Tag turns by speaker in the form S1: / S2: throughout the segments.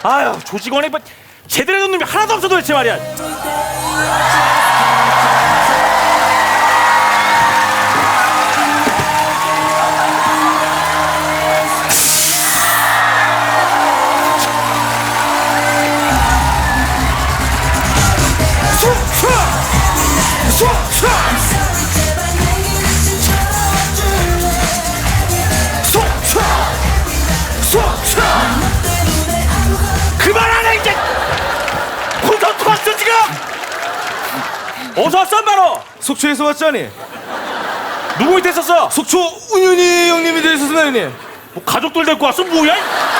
S1: 아유, 조직원에 뭐 제대로 된 놈이 하나도 없어 도대체 말이야. 그만하네 이제. 콘서트 왔어 지금. 어서 왔어 바로.
S2: 속초에서 왔자니.
S1: 누구 밑에 있었어?
S2: 속초 운윤이 형님이 되셨습니다 형님.
S1: 뭐 가족들 데리고 왔어 뭐야?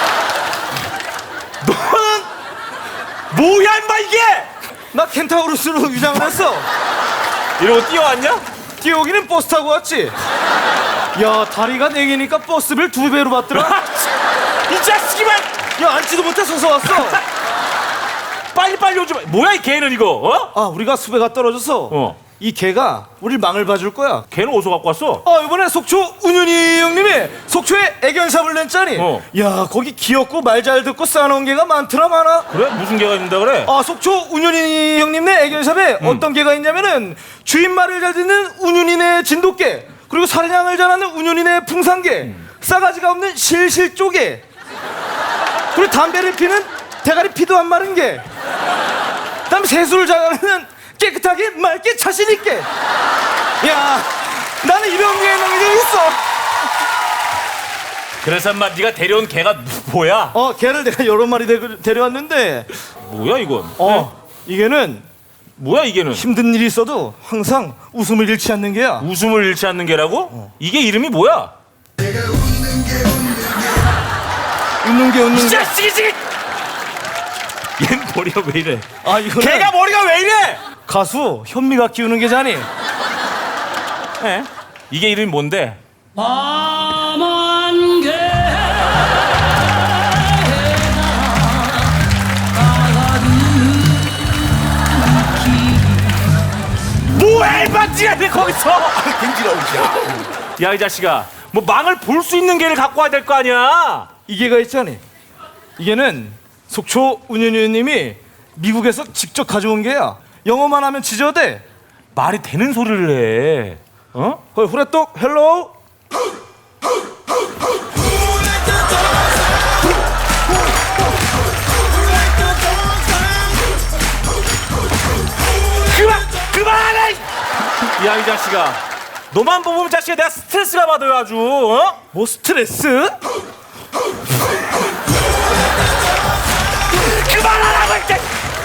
S1: 너는 뭐야 임마 이게?
S2: 나 켄타우루스로 위장을 했어.
S1: 이러고 뛰어왔냐?
S2: 뛰어오기는 버스 타고 왔지. 야 다리가 4개니까 버스비를 2배로 받더라.
S1: 이 자식이만.
S2: 야 앉지도 못해 서서 왔어.
S1: 빨리빨리 오지 마. 뭐야 이 개는 이거? 어?
S2: 아 우리가 수배가 떨어져서 이 개가 우릴 망을 봐줄 거야.
S1: 개는 어디서 갖고 왔어?
S2: 이번에 속초 운윤이 형님이 속초에 애견샵을 냈자니. 야 거기 귀엽고 말 잘 듣고 쌓아놓은 개가 많더라 많아.
S1: 그래? 무슨 개가 있는다 그래?
S2: 속초 운윤이 형님네 애견샵에 어떤 개가 있냐면은 주인 말을 잘 듣는 운윤이네 진돗개, 그리고 사냥을 잘하는 운윤이네 풍산개, 싸가지가 없는 실실조개, 그리고 담배를 피는 대가리 피도 안 마른 개, 그다음에 세수를 잘하는 깨끗하게 맑게 자신 있게. 야 나는 이런 게 있어.
S1: 그래서 인마 네가 데려온 개가 뭐야?
S2: 개를 내가 여러 마리 데려왔는데
S1: 뭐야 이건?
S2: 이게는
S1: 뭐야 이게는?
S2: 힘든 일이 있어도 항상 웃음을 잃지 않는 개야.
S1: 웃음을 잃지 않는 개라고? 이게 이름이 뭐야?
S2: 웃는 게 웃는
S1: 이
S2: 게.
S1: 자식이 지금. 얘 머리가 왜 이래?
S2: 이거는
S1: 개가 머리가 왜 이래?
S2: 가수 현미가 키우는 개잖니.
S1: 에? 이게 이름이 뭔데?
S3: 밤한 개
S1: 뭐해 임마 찌라네 거기서. 야 이 자식아, 뭐 망을 볼 수 있는 개를 갖고 와야 될 거 아니야.
S2: 이 개가 있잖니. 이게는 속초 운현위원님이 미국에서 직접 가져온 개야. 영어만 하면 지저대.
S1: 말이 되는 소리를 해. 어?
S2: 거기 후레똑 헬로우.
S1: 그만해! 야 이 자식아, 너만 보면 자식아 내가 스트레스가 받아요 아주. 어?
S2: 뭐 스트레스?
S1: 그만하라고 이제.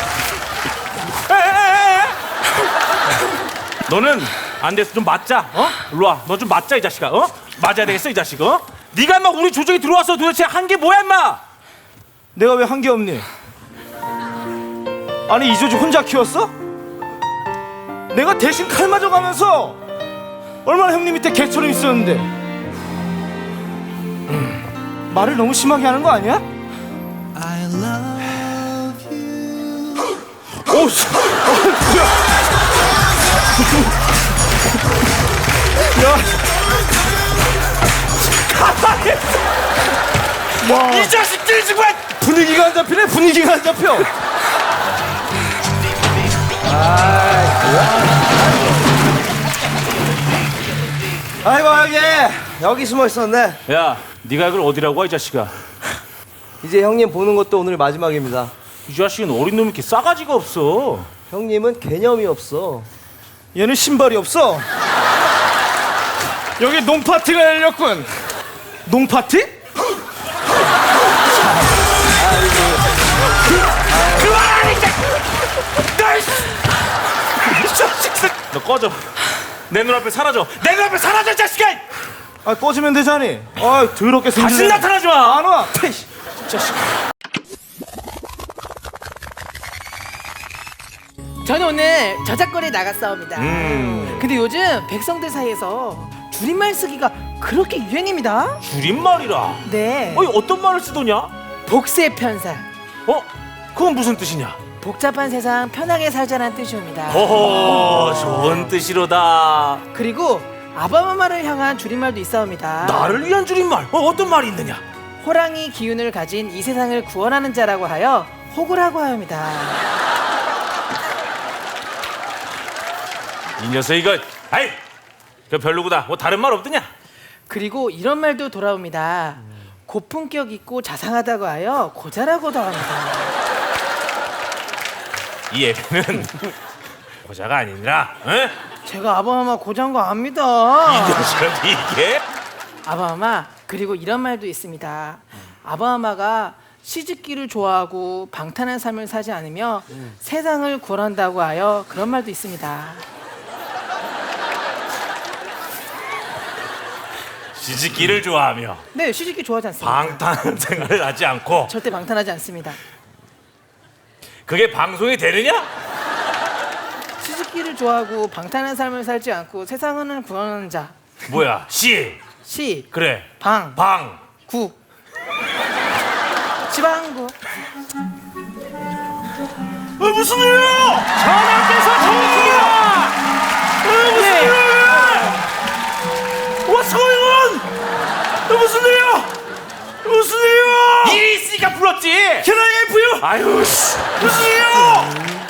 S1: 너는 안 됐어. 좀 맞자. 일로 와. 너 좀 맞자 이 자식아. 맞아야 되겠어 이 자식. 네가 인마 우리 조정에 들어와서 도대체 한 게 뭐야 인마?
S2: 내가 왜 한 게 없니? 아니 이 조직 혼자 키웠어? 내가 대신 칼 맞아가면서 얼마나 형님 밑에 개처럼 있었는데. 말을 너무 심하게 하는 거 아니야?
S4: I love you.
S2: 오, 씨. 뭐야? 야,
S1: 가만히.
S2: 와,
S1: 이 자식들 정말.
S2: 분위기가 안 잡히네. 분위기가 안 잡혀.
S5: 아이고 여기 숨어 있었네.
S1: 야, 네가 이걸 어디라고 와 이 자식아?
S5: 이제 형님 보는 것도 오늘 마지막입니다.
S1: 이 자식은 어린 놈이 이렇게 싸가지가 없어.
S5: 형님은 개념이 없어.
S2: 얘는 신발이 없어. 여기 농파티가 열렸군. 농파티?
S1: 그만하라 이제. 이 자식들. 너 꺼져. 내 눈앞에 사라져. 내 눈앞에 사라져 이 자식아.
S2: 꺼지면 되자니. 더럽게 생긴.
S1: 다시 나타나지 마.
S2: 안 와.
S1: 자식.
S6: 저는 오늘 저작거리에 나갔사옵니다. 근데 요즘 백성들 사이에서 줄임말 쓰기가 그렇게 유행입니다.
S1: 줄임말이라.
S6: 네.
S1: 어떤 말을 쓰더냐?
S6: 복세 편사.
S1: 그건 무슨 뜻이냐?
S6: 복잡한 세상 편하게 살자는 뜻이옵니다.
S1: 허허, 좋은 뜻이로다.
S6: 그리고 아바마마를 향한 줄임말도 있사옵니다.
S1: 나를 위한 줄임말. 어떤 말이 있느냐?
S6: 호랑이 기운을 가진 이 세상을 구원하는 자라고 하여 호구라고 합니다.
S1: 이 녀석 이거 아이 그 별로구나. 뭐 다른 말 없더냐?
S6: 그리고 이런 말도 돌아옵니다. 고품격 있고 자상하다고 하여 고자라고도 합니다.
S1: 이 애비는 고자가 아니라 응?
S6: 제가 아바마마 고자인 거
S1: 이
S6: 압니다.
S1: 녀석이 이게
S6: 아바마마 그리고 이런 말도 있습니다. 아바마마가 시집기를 좋아하고 방탄한 삶을 사지 않으며 세상을 구원한다고 하여 그런 말도 있습니다.
S1: 시집기를 좋아하며
S6: 네, 시집기 좋아하지 않습니다.
S1: 방탄 생활을 하지 않고
S6: 절대 방탄하지 않습니다.
S1: 그게 방송이 되느냐?
S6: 시집기를 좋아하고 방탄한 삶을 살지 않고 세상을 구원하는 자.
S1: 뭐야? 시
S6: 시,
S1: 그래
S6: 방,
S1: 방
S6: 구. 지방구.
S1: 무슨 일이야? 전하께서 정수야! 무슨 일이야? What's going on? 무슨 일이야? 무슨 일이야? 일이 있으니까 불렀지. Can I help you? 아유 씨 무슨 일이야?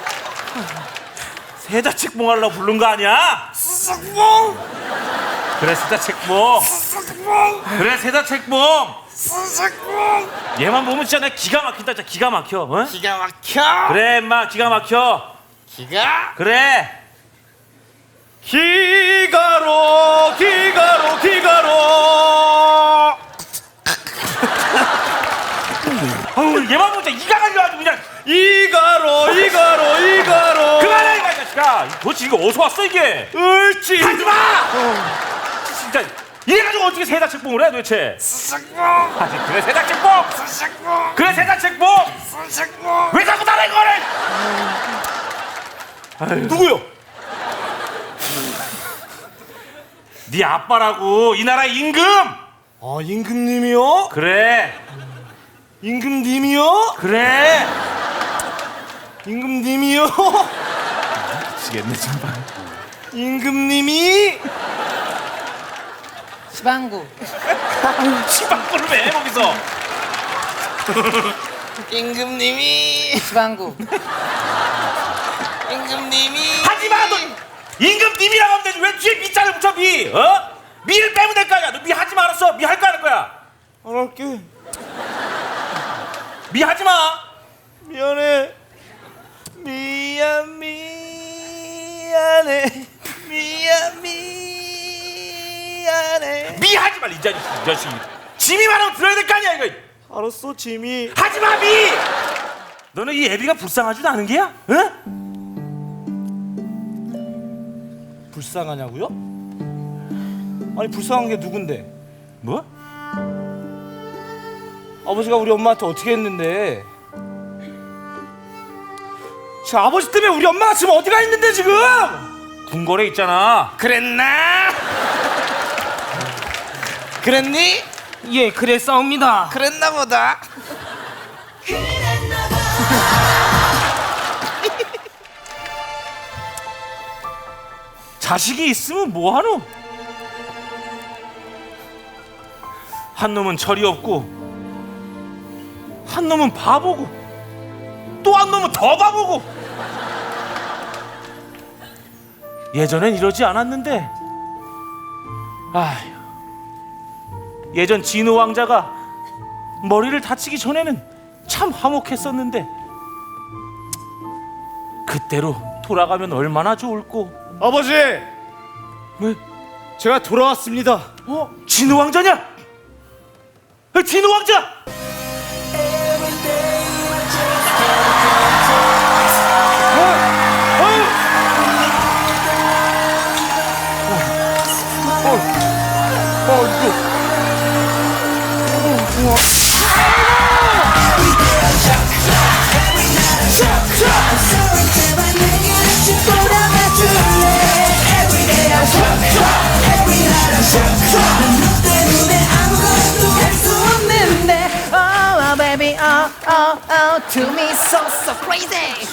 S1: 세자책봉 하려고 부른 거 아니야? 세자책봉. 그래 세자책봉. 그래 세자책봉. 얘만 보면 진짜 내가 기가 막힌다. 진짜 기가 막혀. 어?
S2: 기가 막혀.
S1: 그래 인마 기가 막혀.
S2: 기가.
S1: 그래.
S2: 기가로 기가로 기가로.
S1: 아우 얘만 보면 진짜 이가 갈려가지고 그냥.
S2: 이가로 이가로 이가로.
S1: 그만해 이 자식아. 도대체 이거 어디서 왔어 이게?
S2: 옳지.
S1: 하지마. 진짜 이래가지고 어떻게 세자책봉을 해 도대체? 아니 그래 세자책봉. 그래 세자책봉. 왜 자꾸 나를 이거를?
S2: 누구요?
S1: 네 아빠라고 이 나라 임금.
S2: 아 임금님이요?
S1: 그래
S2: 임금님이요?
S1: 그래.
S2: 임금님이요?
S1: 미치겠네 정말.
S2: 임금님이
S6: 지방구.
S1: 시방구를 왜 해, 거기서?
S2: 임금님이
S6: 지방구.
S2: 임금님이
S1: 하지마 너 임금님이라고 하면 되지 왜 뒤에 미자를 붙여 미? 어? 미를 빼면 될 거 아니야. 너 미 하지 마 알았어? 미 할 거 할 거야.
S2: 안 할게.
S1: 미 하지 마.
S2: 미안해. 미안해. 미안해.
S1: 미 하지 마 이 자식. 짐이 많으면 들어야 될 거 아니야 이거.
S2: 알았어 지미.
S1: 하지 마 미. 너는 이 애비가 불쌍하지도 않은 게야? 응?
S2: 불쌍하냐고요? 아니 불쌍한 게 누군데?
S1: 뭐?
S2: 아버지가 우리 엄마한테 어떻게 했는데? 지금 아버지 때문에 우리 엄마가 지금 어디가 있는데 지금?
S1: 궁궐에 있잖아.
S2: 그랬나? 그랬니?
S6: 예, 그랬사옵니다.
S2: 그랬나 보다.
S1: 자식이 있으면 뭐하노? 한 놈은 철이 없고 한 놈은 바보고 또 한 놈은 더 바보고. 예전엔 이러지 않았는데 아휴 예전 진우 왕자가 머리를 다치기 전에는 참 화목했었는데 그때로 돌아가면 얼마나 좋을꼬.
S2: 아버지,
S1: 왜?
S2: 제가 돌아왔습니다.
S1: 어? 진우 왕자냐? 진우 왕자!
S6: Oh baby, oh, to me so crazy.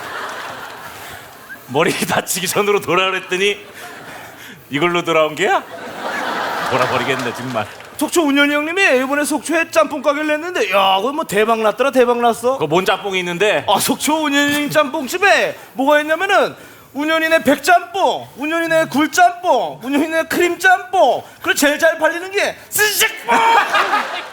S1: 머리 다치기 전으로 돌아오랬더니 이걸로 돌아온 게야? 돌아버리겠네 정말.
S2: 속초 운현이 형님이 이번에 속초에 짬뽕 가게를 냈는데 야 그거 뭐 대박 났더라 대박 났어.
S1: 그뭔 짬뽕이 있는데?
S2: 아 속초 운현이 짬뽕집에 뭐가 있냐면은 운현이네 백짬뽕, 운현이네 굴짬뽕, 운현이네 크림짬뽕, 그리고 제일 잘 팔리는 게 스시짬뽕.